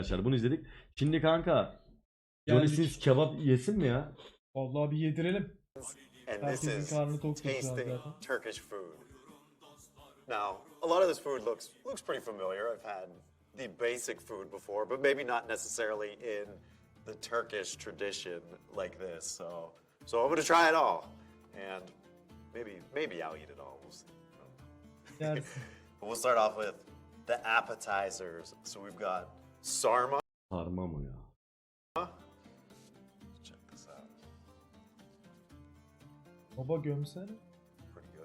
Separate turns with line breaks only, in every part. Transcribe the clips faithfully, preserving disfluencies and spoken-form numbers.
arkadaşlar. Bunu izledik. Şimdi kanka Johnny
Geldik.
Sins kebap yesin mi ya?
Vallahi bir yedirelim.
And this
Herkesin
is
karnı tok tuttu
tasting
zaten.
Turkish food. Now, a lot of this food looks looks pretty familiar. I've had the basic food before, but maybe not necessarily in the Turkish tradition like this. So, so I'm gonna try it all, and maybe maybe I'll eat it all. We'll see.
Yersin.
But we'll start off with the appetizers. So we've got sarma.
Sarma mı ya?
Check this out.
Baba gömsene.
Pretty good.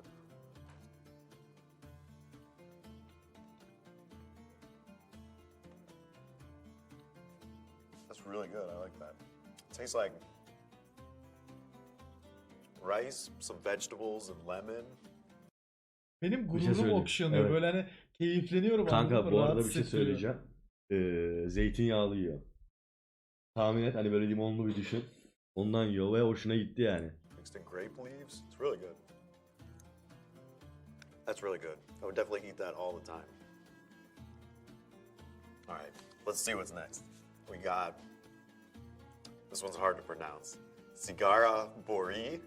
That's really good. I like that. Tastes like rice, some vegetables, and lemon.
Benim
şey
gururum
söyleyeyim.
okşanıyor.
Evet.
Böyle hani keyifleniyorum. anladın
Kanka
mı?
bu arada
Rahat
bir şey
hissettiriyor.
söyleyeceğim. Ee, zeytinyağlı yiyor. Tahmin et hani böyle limonlu bir düşün. Ondan yiyor ve hoşuna gitti yani.
Mixed in grape leaves. It's really good. That's really good. I would definitely eat that all the time. All right, let's see what's next. We got, this one's hard to pronounce. Sigara Bori.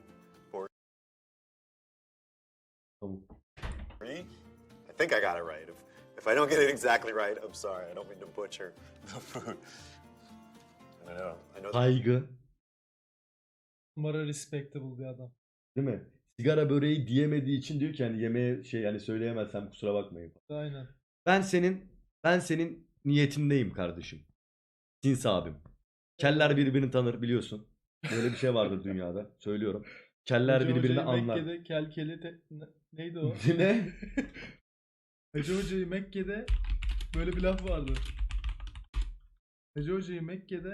Tamam.
Bori? I think I got it right. If, if I don't get it exactly right, I'm sorry. I don't mean to butcher the food. I know. I know.
Saygı.
Numara respectable bir adam.
Değil mi? Sigara böreği diyemediği için diyor ki hani yemeğe şey yani söyleyemezsem kusura bakmayın.
Aynen.
Ben senin ben senin niyetindeyim kardeşim. Sins abim. Keller birbirini tanır biliyorsun. Böyle bir şey vardır dünyada. Söylüyorum. Keller
Hacı
birbirini
Hoca'yı
anlar.
Mekke'de kelkeli te... ne- neydi o?
Ne?
Hacı Hoca'yı Mekke'de böyle bir laf vardı. Hacı Hoca'yı Mekke'de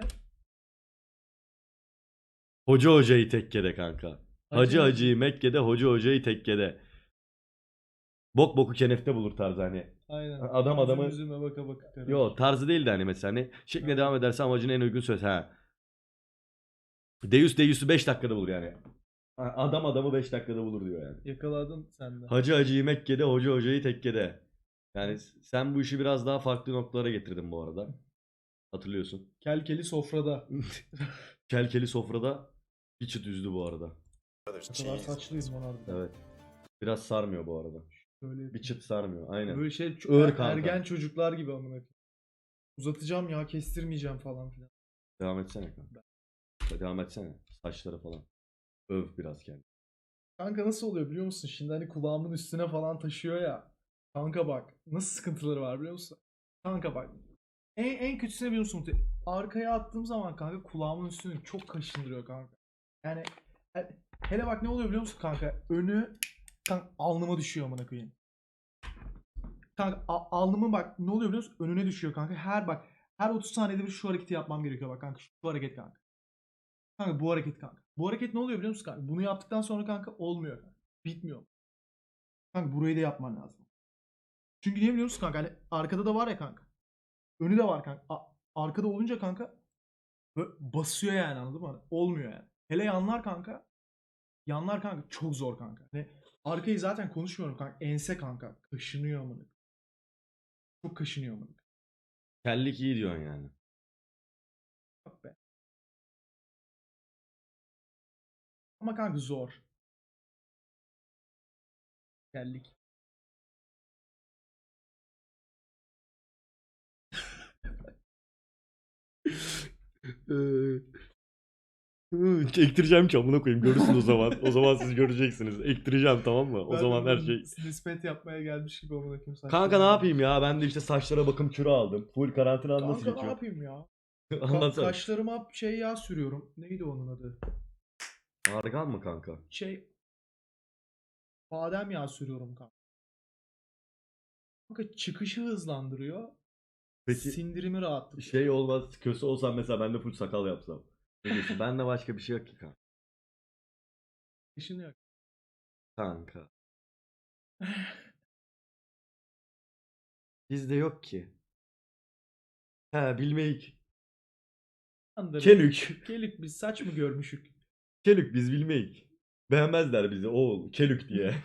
Hoca hocayı tekkede kanka. Hacı
Hacı-
hacıyı Mekke'de, hoca hocayı tekkede. Bok boku kenefte bulur tarzı hani.
aynen.
Adam adamı-
Üzüm üzüme baka baka karı.
Yo tarzı değil de hani mesela hani şekline
Evet.
devam ederse amacına en uygun söz ha. Deus Deus'u beş dakikada bulur yani. Ha, Adam adamı beş dakikada bulur diyor yani.
Yakaladın sen de.
Hacı hacıyı Mekke'de, hoca hocayı tekkede. Yani sen bu işi biraz daha farklı noktalara getirdin bu arada. Hatırlıyorsun.
Kelkeli sofrada.
Kelkeli sofrada bir çıt üzdü bu arada.
There's
Ne kadar
cheese.
saçlıyız lan harbiden.
Evet. Biraz sarmıyor bu arada.
Böyle
Bir çıt sarmıyor. Aynen.
Böyle şey
Ağır
er-
kanka.
ergen çocuklar gibi amına koyayım. Uzatacağım ya kestirmeyeceğim falan filan.
Devam etsene kanka. Devam etsene. Saçları falan. Öv biraz kendini.
Kanka nasıl oluyor biliyor musun? Şimdi hani kulağımın üstüne falan taşıyor ya. Kanka bak nasıl sıkıntıları var biliyor musun? Kanka bak. En, en kötüsü ne biliyor musun? Arkaya attığım zaman kanka kulağımın üstünü çok kaşındırıyor kanka. Yani he- hele bak ne oluyor biliyor musun kanka? Önü kanka alnıma düşüyor amına koyayım. Kanka a- alnımın bak ne oluyor biliyor musun? Önüne düşüyor kanka. Her bak her otuz saniyede bir şu hareketi yapmam gerekiyor bak kanka. Şu hareket kanka. Kanka bu hareket kanka. Bu hareket ne oluyor biliyor musun kanka? Bunu yaptıktan sonra kanka olmuyor. Kanka. Bitmiyor. Kanka burayı da yapman lazım. Çünkü niye biliyor musun kanka? Hani arkada da var ya kanka. Önü de var kanka. A- arkada olunca kanka böyle basıyor yani anladın mı? Hani olmuyor yani. Hele yanlar kanka. Yanlar kanka çok zor kanka. Hani arkayı zaten konuşmuyorum kanka. Ense kanka. Kaşınıyor amına. Çok kaşınıyor amına.
Kellik iyi diyorsun yani.
Bak be. Ama kanka zor. Geldik.
Ektireceğim ki amına koyayım. Görürsün o zaman. O zaman siz göreceksiniz. Ektireceğim tamam mı? O
Ben
zaman
de
her
böyle
şey.
nispet yapmaya gelmiş gibi amına koyayım saçlarım.
Kanka ne yapayım ya? Ben de işte saçlara bakım kürü aldım. Full karantina nasıl
Kanka ne
geçiyor?
yapayım ya? Ka-
Anlatsana.
kaşlarıma şey yağ sürüyorum. Neydi onun adı?
Argan mı kanka?
Şey badem yağı sürüyorum kanka. Kanka çıkışı hızlandırıyor.
Peki
Sindirimi rahatlatıyor.
şey olmaz. Köse olsam mesela ben de full sakal yapsam. Ne diyorsun? Bende başka bir şey yok ki kanka.
Kaşınıyor.
Kanka. Bizde yok ki. He bilmeyik.
Andırı.
Kelük.
Kelük biz saç mı görmüşük?
Kelük biz bilmeyik. Beğenmezler bizi oğul. Kelük diye.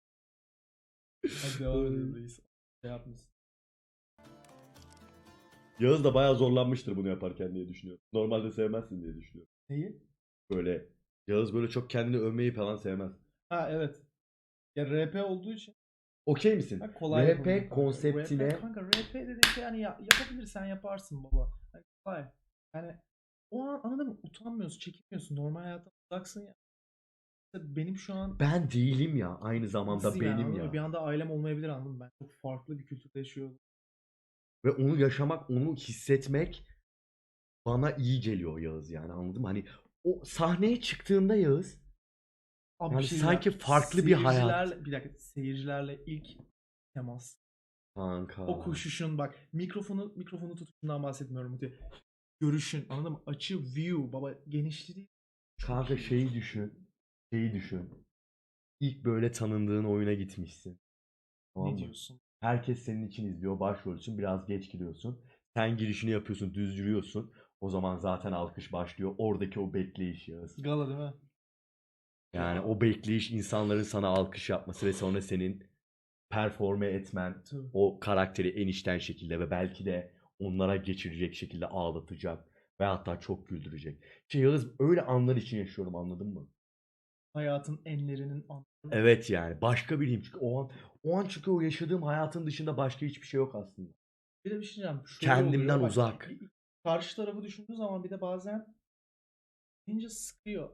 Hadi devam edelim reis. Şey yapmışsın.
Yağız da bayağı zorlanmıştır bunu yaparken diye düşünüyorum. Normalde sevmezsin diye düşünüyorum.
Neyi?
Böyle Yağız böyle çok kendini övmeyi falan sevmez.
Ha evet. Ya R P olduğu için
Okey misin?
ha, kolay
R
yapabilirim
P
kanka.
konseptine
R P, kanka R P dediğin şey hani ya, yapabilirsen yaparsın baba. Hani kolay. Yani o an anladın mı? Utanmıyorsun, çekinmiyorsun. Normal hayattan uzaksın ya. Mesela benim şu an
ben değilim ya, aynı zamanda
nasıl yani
benim
anladın mı?
ya.
Bir anda ailem olmayabilir anladın mı? Ben çok farklı bir kültürde yaşıyorum.
Ve onu yaşamak, onu hissetmek bana iyi geliyor Yağız, yani anladın mı? Hani o sahneye çıktığında Yağız,
Abi bir
yani
şey
sanki
diyeceğim.
farklı bir hayat.
Seyircilerle, bir dakika seyircilerle ilk temas.
Kanka.
O koşuşun bak mikrofonu mikrofonu tutuşundan bahsetmiyorum. Mute. Görüşün anladın mı? Açı view baba genişliği çok
Kanka
iyi.
şeyi düşün. Şeyi düşün. İlk böyle tanındığın oyuna gitmişsin. Tamam
Ne
mı?
diyorsun?
Herkes senin için izliyor. Başrol için biraz geç giriyorsun. Sen girişini yapıyorsun, düz yürüyorsun. O zaman zaten alkış başlıyor. Oradaki o bekleyiş Yağız.
Gala değil mi?
Yani o bekleyiş, insanların sana alkış yapması ve sonra senin performe etmen,
Tabii.
o karakteri en içten şekilde ve belki de onlara geçirecek şekilde ağlatacak ve hatta çok güldürecek. Şey Yağız, öyle anlar için yaşıyorum, anladın mı?
Hayatın enlerinin an.
Evet, yani başka biriyim çünkü o an o an çünkü o yaşadığım hayatın dışında başka hiçbir şey yok aslında.
Bir de bir şey diyeceğim. Şöyle
Kendimden
oluyor. Bak,
uzak.
bir- karşı tarafı düşündüğün zaman bir de bazen ince sıkıyor.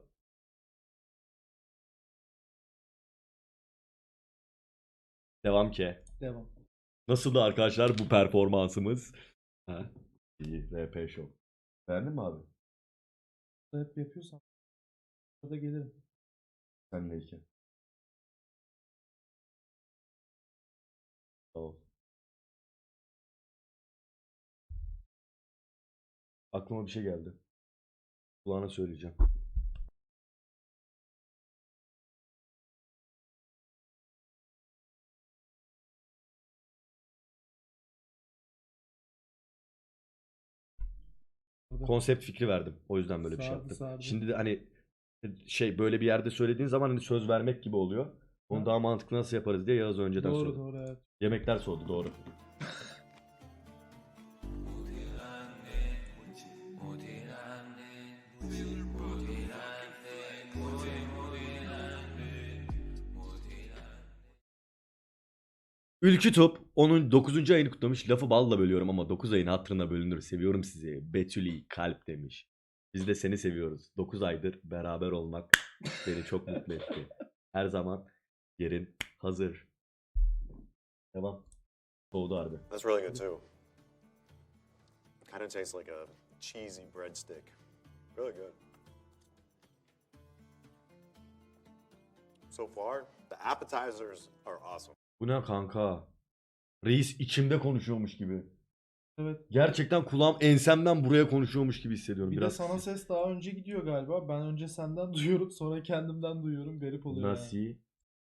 Devam ki.
Devam.
Nasıldı arkadaşlar bu performansımız? Ha? İyi, R P Show. Beğendin mi abi?
Hep yapıyorsan burada gelirim.
Sen de iki. Tamam. Aklıma bir şey geldi. Kulağına söyleyeceğim.
Burada.
Konsept fikri verdim. O yüzden böyle bir şey
Sardı,
yaptım.
sardı.
Şimdi de hani şey, böyle bir yerde söylediğin zaman hani söz vermek gibi oluyor. Onu
Ha.
daha mantıklı nasıl yaparız diye Yağız önceden
Doğru
söyledi.
doğru evet.
Yemekler soğudu, doğru. Ülkü Top onun dokuzuncu ayını kutlamış. Lafı balla bölüyorum ama dokuz ayın hatırına bölünür. Seviyorum sizi. Betüli kalp demiş. Biz de seni seviyoruz. dokuz aydır beraber olmak beni çok mutlu etti. Her zaman yerin hazır. Devam. Soğudu harbi.
That's really good too. Kind of tastes like a cheesy breadstick. Really good. So far, the appetizers are awesome.
Bu ne kanka? Reis içimde konuşuyormuş gibi.
Evet.
Gerçekten kulağım ensemden buraya konuşuyormuş gibi hissediyorum.
Bir
Biraz
de sana ses daha önce gidiyor galiba. Ben önce senden duyuyorum sonra kendimden duyuyorum. Garip oluyor
Nasıl?
yani.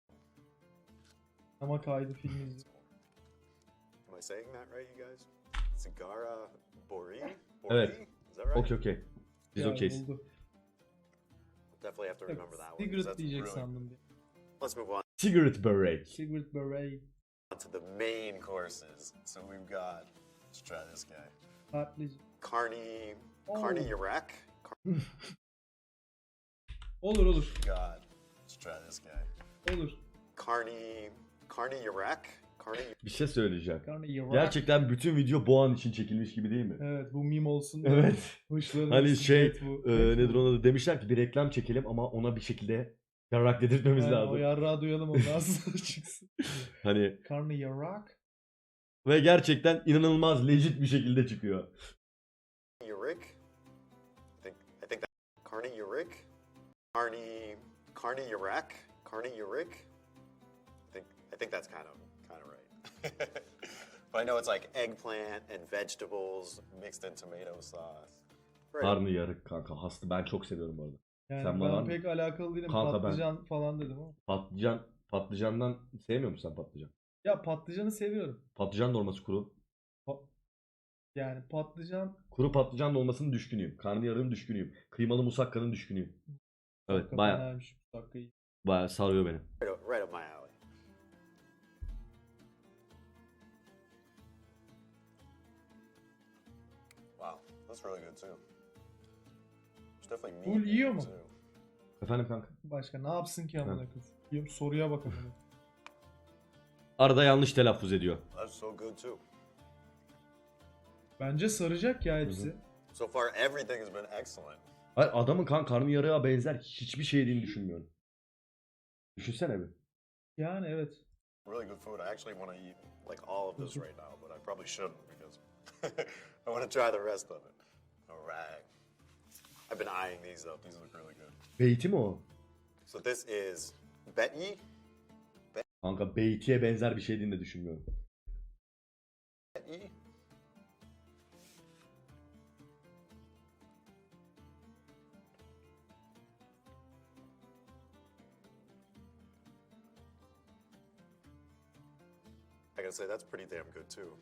Ama kaydı film izliyorum.
Am I saying that right, you guys? Cigara Bori? Bori?
Evet.
Is that right?
Okey okey. Biz
Yani
okeyiz.
oldu.
Definitely have to
Yok,
remember that one. 'cause
Cigarette
that's
diyecek
really-
sandım diye.
Let's move on
Cigarette Break.
Cigarette Beret.
to the main courses. So we've got, let's try this guy.
Patlıcı.
Carney,
Oh.
Carney Yarek.
Olur olur.
God, let's try this guy.
Olur.
Carney, Carney Yarek. Carney.
Bir şey söyleyeceğim.
Karnı yarak.
Gerçekten bütün video bu an için çekilmiş gibi değil mi?
Evet bu meme olsun.
Evet.
Hoşlanırız.
Hani şey,
Evet, bu.
e,
Evet,
nedir
bu.
ona da demişler ki bir reklam çekelim ama ona bir şekilde yarak dedirtmemiz
Aynen,
lazım.
o yarrağı duyalım ondan sonra çıksın.
Hani
Karnı yarak.
ve gerçekten inanılmaz legit bir şekilde çıkıyor.
Yarek. I think I think that Carney Yarek. Carney, Carney Yarek. Carney Yarek. I think I think that's kind of kind of right. But I know it's like eggplant and vegetables mixed in tomato sauce. Right.
Karnı yarık kanka. Hastı, ben çok seviyorum bu arada.
Yani
Sen
ben
bana-
pek alakalı değilim.
Kanka ben-
Patlıcan falan dedim ama.
Patlıcan, patlıcandan sevmiyor musun sen patlıcan?
Ya patlıcanı seviyorum.
Patlıcan dolması kuru.
Pa- yani patlıcan
Kuru patlıcan dolmasının düşkünüyüm. Karnıyarığın düşkünüyüm. Kıymalı musakkanın düşkünüyüm. Evet,
hakikaten
baya
fenaymış bu dakika iyi.
baya sarıyor beni.
Right up, right up my alley. That's really good too. There's definitely meat.
Full
in it,
yiyor mu?
too.
Efendim kanka.
Başka ne yapsın ki amına koyayım? Diyorum, soruya bak amına.
Arada yanlış telaffuz ediyor.
That's so good too.
Bence saracak ya hepsi.
So far, everything has been excellent.
Hayır, adamın kan karnıyarığa benzer hiçbir şey yediğini düşünmüyorum. Düşünsene bir.
Yani evet.
Really good food. I actually want to eat like all of this right now, but I probably shouldn't because I want to try the rest of it. All right. I've been eyeing these up. These look really good.
Beyti mi o?
So this is Betty.
Kanka beytiye benzer bir şey yediğini de düşünmüyorum.
Betty. I gotta say that's pretty damn good too.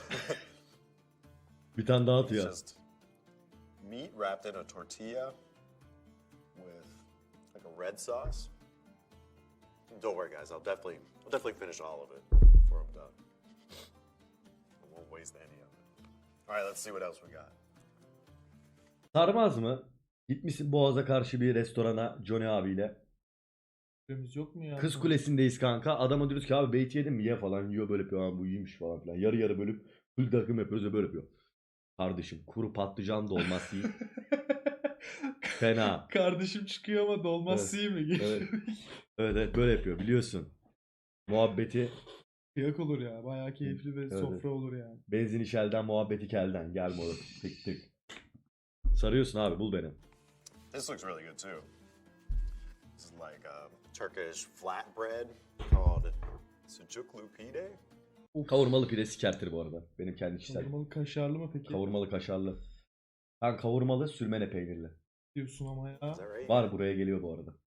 Bir tane daha
It's
atıyor.
just meat wrapped in a tortilla with like a red sauce. Don't worry, guys. I'll definitely, I'll definitely finish all of it before I'm done. I won't waste any of it. All right, let's see what else we got.
Sarmaz mı? Gitmişsin Boğaz'a karşı bir restorana Johnny abiyle.
Süremiz yok mu ya?
Kız Kulesi'ndeyiz kanka. Adama diyoruz ki abi beyti yedin mi? Ye falan. Yiyor böyle yapıyor. Abi bu iyiymiş falan filan. Yarı yarı bölüp full takım yapıyoruz ve böyle yapıyor. Kardeşim kuru patlıcan dolması yiyip fena.
Kardeşim çıkıyor ama dolmaz
Evet.
mi?
Evet. Evet evet böyle yapıyor biliyorsun. Muhabbeti
Kıyak olur ya. Bayağı keyifli ve
Evet,
sofra
evet.
olur yani.
benzin işelden muhabbeti kelden. Gel moruk. Tık tık. Sarıyorsun abi bul beni.
This looks really good too. This is like um, Turkish flatbread called sucuklu pide.
Kavurmalı pide sikertir bu arada. Benim kendi kişisel.
Kavurmalı kaşarlı mı peki?
Kavurmalı kaşarlı. Ben kavurmalı sürmene peynirli.
Diyorsun ama ya.
Is that right?
Var buraya geliyor bu arada.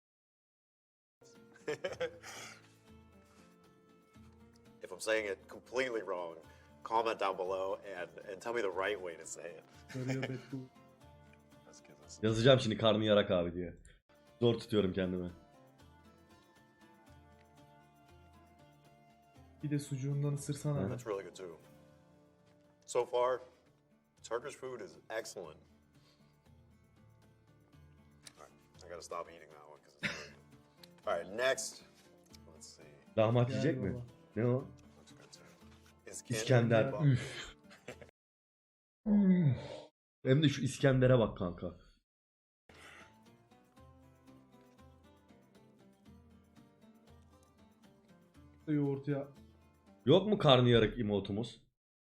If I'm saying it completely wrong, comment down below and, and tell me the right way to say it.
Sarıyor Bettu.
Let's get this.
Yazacağım şimdi karnı yarak abi diye. Zor tutuyorum kendimi.
Bir de sucuğundan ısırsana.
That's really good too. So far, Turkish food is excellent. All right, I gotta stop eating that one because it's really good. All right, next, let's see.
Lahmacun
Gel
yiyecek mi?
baba.
Ne o?
Looks good too. İskender.
İskender.
kebap.
Üf. Üf. Hem de şu İskender'e bak kanka.
Yoğurt ya.
Yok mu karnıyarık emotumuz?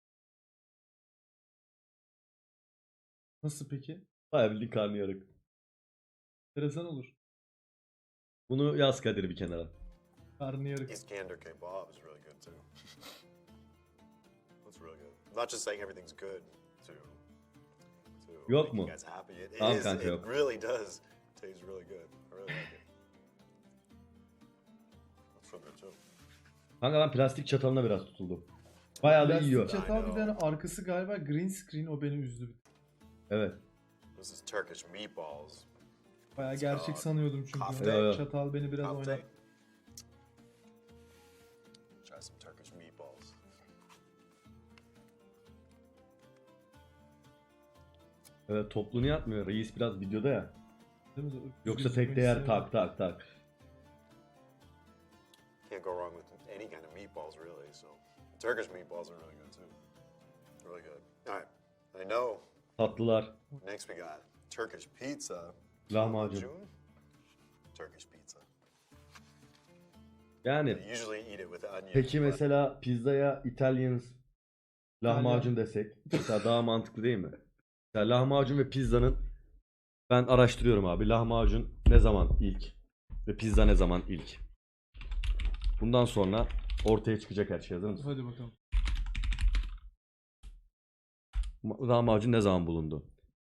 Nasıl peki?
Bayağı bildiğin karnıyarık.
Enteresan olur.
Bunu yaz Kadir bir kenara.
Karnıyarık.
Iskender kebab is really good too. That's really good. I'm not just saying everything's good to, to
Yok
make
mu?
you guys happy. It, it,
Tamam
is,
kanka,
it
yok.
really does taste really good. I really like it. That's so good too.
Kanka ben plastik çatalına biraz tutuldum. Bayağı da
Plastik
yiyor.
çatal bir tane arkası galiba green screen, o beni üzdü.
Evet.
This is Turkish meatballs.
Bayağı gerçek sanıyordum çünkü.
Kafte.
Evet, evet.
Çatal beni biraz
Kafte.
oynattı.
Try some Turkish meatballs.
Evet topluğunu yatmıyor. Reis biraz videoda ya.
Değil mi?
Yoksa
Gözükmek
tek değer
istemiyorum.
tak tak tak.
Can't go wrong with any kind of meatballs, really. So, Turkish meatballs are really good too. Really good. All right, I know.
Tatlılar.
Next we got Turkish pizza.
Lahmacun.
Turkish pizza.
Yani
I usually eat it with onions.
peki
but
mesela pizzaya Italian lahmacun desek. Mesela daha mantıklı değil mi? Mesela lahmacun ve pizzanın ben araştırıyorum abi. Lahmacun ne zaman ilk ve pizza ne zaman ilk? Bundan sonra ortaya çıkacak her şey. Hazır mısın?
Hadi bakalım.
Ma- Lahmacun ne zaman bulundu?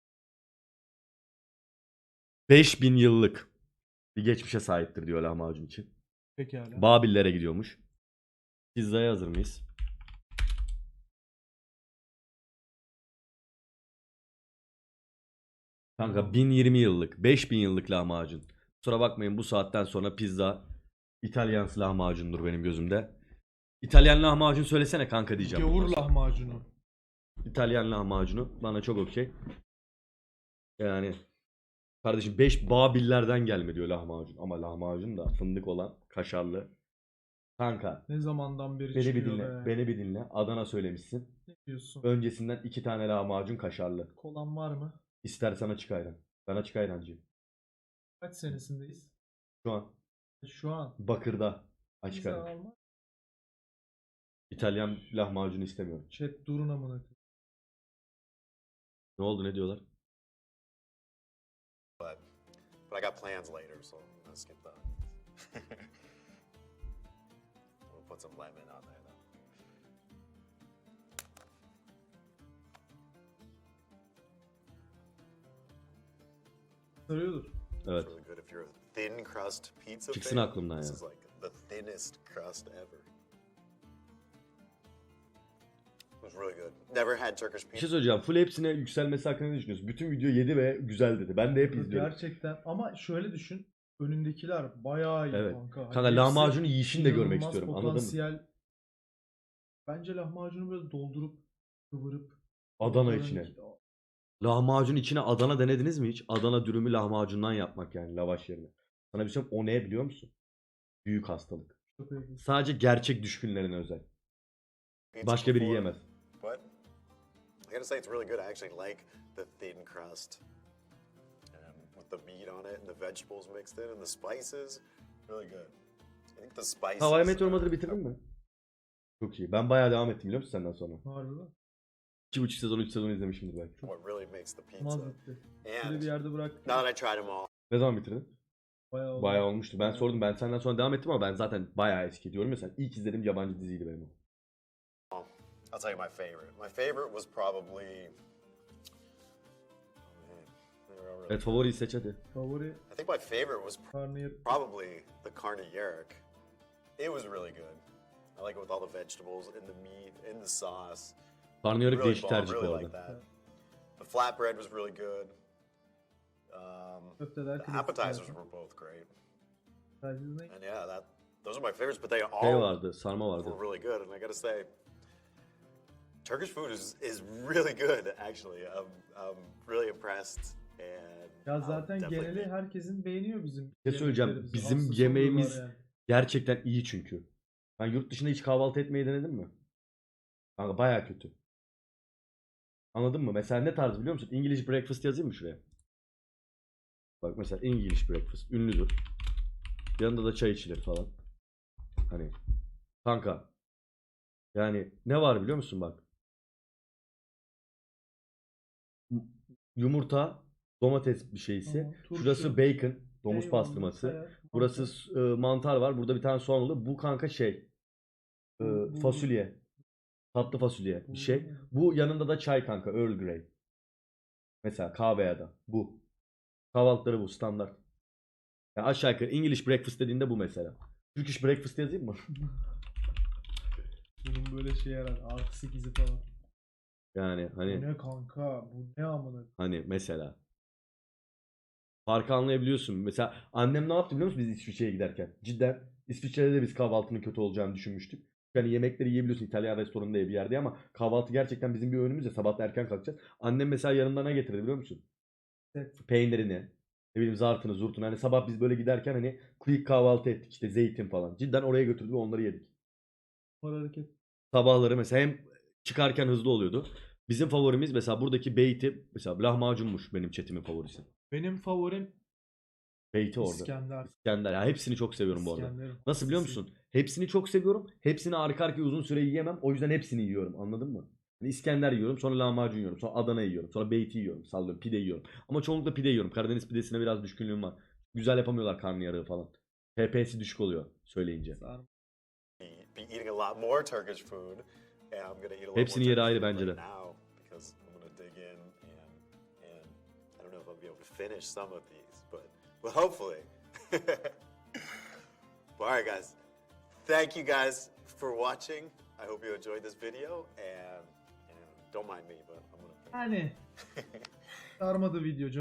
beş bin yıllık bir geçmişe sahiptir diyor lahmacun için.
Pekala.
Babillere gidiyormuş. Pizzaya hazır mıyız? Kanka bin yirmi yıllık, beş bin yıllık lahmacun. Kusura bakmayın bu saatten sonra pizza İtalyan lahmacundur benim gözümde. İtalyan lahmacun söylesene kanka diyeceğim.
Gavur
bundan sonra.
lahmacunu.
İtalyan lahmacunu bana çok okey. Yani kardeşim beş Babillerden gelme diyor lahmacun. Ama lahmacun da fındık olan kaşarlı. Kanka
Ne zamandan beri
beni bir
çıkıyor
dinle.
be.
Beni bir dinle. Adana söylemişsin.
Ne diyorsun?
Öncesinden iki tane lahmacun kaşarlı.
Kolan var mı?
İstersen açık ayran. Ben açık ayrancıyım.
Kaç senesindeyiz?
Şu an
Şu an.
Bakır'da açık
Bize
ayran.
alma.
İtalyan lahmacun istemiyorum.
Chat durun amına koyayım.
Ne oldu, ne diyorlar?
But but I got plans later, so I'm gonna skip that. We'll put some lemon on there though.
Sarıyordur.
Evet.
It's really good if you're a thin crust pizza
Çıksın
fan.
aklımdan
This
ya.
is like the thinnest crust ever. It was really good. Never had Turkish
Bir
pizza.
şey söyleyeceğim. Full hepsine yükselmesi hakkında ne düşünüyorsun? Bütün video yedi ve güzel dedi. Ben de hep izliyorum.
Gerçekten ama şöyle düşün. Önündekiler bayağı iyi
Evet.
kanka.
Kanka
Hepsi
lahmacunu yiyişini de görmek
inanılmaz
istiyorum. Anladın mı?
potansiyel. Bence lahmacunu böyle doldurup kıvırıp
Adana
Oranın-
içine. Lahmacun içine Adana denediniz mi hiç? Adana dürümü lahmacundan yapmak yani lavaş yerine. Sana bir şey söyleyeyim, o ne biliyor musun? Büyük hastalık.
Çok iyi.
Sadece gerçek düşkünlerine özel.
Pizza
Başka biri
before,
yiyemez.
But I gotta say it's really good. I actually like the thin crust. And with the meat on it and the vegetables mixed in and the spices, really good. I think the spices.
Hawaii Meteor
are-
Mother'ı bitirdin mi? Çok iyi. Ben bayağı devam ettim biliyor musun senden sonra?
Harbi mi?
iki buçuk sezon, üç sezon izlemişimdir belki.
What really makes the pizza.
Olmaz bitti. Böyle
And
bir yerde bıraktım.
now that I tried them all,
Ne zaman bitirdin?
Bayağı oldu.
Bayağı olmuştu. Ben
Bayağı.
sordum. Ben senden sonra devam ettim ama ben zaten bayağı eski diyorum ya sen. İlk izlediğim yabancı diziydi benim o.
I'll tell you my favorite. My favorite was probably. Oh man, they were all really
Evet, favoriyi seç hadi.
Favori
I think my favorite was
karnıyarık.
probably the carne-yerk. It was really good. I like it with all the vegetables and the meat and the sauce.
Karnıyarık
Really
değişik
bomb,
tercih bu
really like
arada.
that. The flatbread was really good. Um,
Köfteler
the
klasik
appetizers
zaten.
were both great.
Tercihiniz ne?
And yeah, that those are my favorites, but they
Şey
all
vardı, sarma vardı.
were really good. And I gotta say, Turkish food is is really good. Actually, I'm I'm really impressed. And
Ya
I'll
zaten
definitely
geneli
be-
herkesin beğeniyor bizim.
Ne söyleyeceğim?
yemeklerimizi.
Bizim
Hastası
yemeğimiz-
oluyorlar yani.
Gerçekten iyi çünkü. Ben yurt dışında hiç kahvaltı etmeyi denedin mi? Kanka bayağı kötü. Anladın mı? Mesela ne tarz biliyor musun? English breakfast yazayım mı şuraya? Bak mesela English breakfast ünlüdür. Yanında da çay içilir falan. Hani kanka yani ne var biliyor musun bak? M- Yumurta, domates bir şeysi.
Tamam, turşu,
Şurası bacon, domuz
eyvallah,
pastırması.
sayar,
Burası
mantar.
s- e, mantar var. Burada bir tane soğan oluyor. Bu kanka şey e,
Bu- bu-
fasulye. Tatlı fasulye bir şey.
Hmm.
Bu yanında da çay kanka, Earl Grey. Mesela kahve ya da bu. Kahvaltıları bu standart. Yani aşağı yukarı English breakfast dediğinde bu mesela. Turkish breakfast yazayım mı?
Bunun böyle şey yarar. Artı sekizi falan.
Yani
Bu
hani
ne kanka? Bu ne amına?
hani mesela. Farkı anlayabiliyorsun. Mesela annem ne yaptı biliyor musun biz İsviçre'ye giderken? Cidden İsviçre'de de biz kahvaltının kötü olacağını düşünmüştük. Yani yemekleri yiyebiliyorsun İtalyan restoranında bir yerde ama kahvaltı gerçekten bizim bir önümüz ya, sabah da erken kalkacağız. Annem mesela yanında ne getirdi biliyor musun?
Evet.
Peynirini, ne bileyim zartını zurtunu. Hani sabah biz böyle giderken hani quick kahvaltı ettik işte zeytin falan. Cidden oraya götürdü ve onları yedik.
Var hareket.
Sabahları mesela hem çıkarken hızlı oluyordu. Bizim favorimiz mesela buradaki beyti mesela lahmacunmuş benim chatimin favorisi.
Benim favorim
Beyti orada.
İskender.
İskender. Ya hepsini çok seviyorum bu arada.
İskender'im.
Nasıl biliyor
Sisi.
musun? Hepsini çok seviyorum. Hepsini arka arkaya uzun süre yiyemem. O yüzden hepsini yiyorum. Anladın mı? Yani İskender yiyorum, sonra lahmacun yiyorum, sonra Adana yiyorum, sonra beyti yiyorum, sallıyorum, pide yiyorum. Ama çoğunlukla pide yiyorum. Karadeniz pidesine biraz düşkünlüğüm var. Güzel yapamıyorlar karnıyarığı falan. P P'si düşük oluyor söyleyince.
Sarma.
be, be eating a lot more Turkish food, and I'm gonna eat a lot
Hepsinin
more
yeri
Turkish
ayrı
food
bence
right
de.
now because I'm gonna dig in and and I don't know if I'll be able to finish some of these, but but hopefully. But all right, guys. Thank you guys for watching. I hope you enjoyed this video, and, and don't mind me, but I'm gonna.
Yani sarmadı video.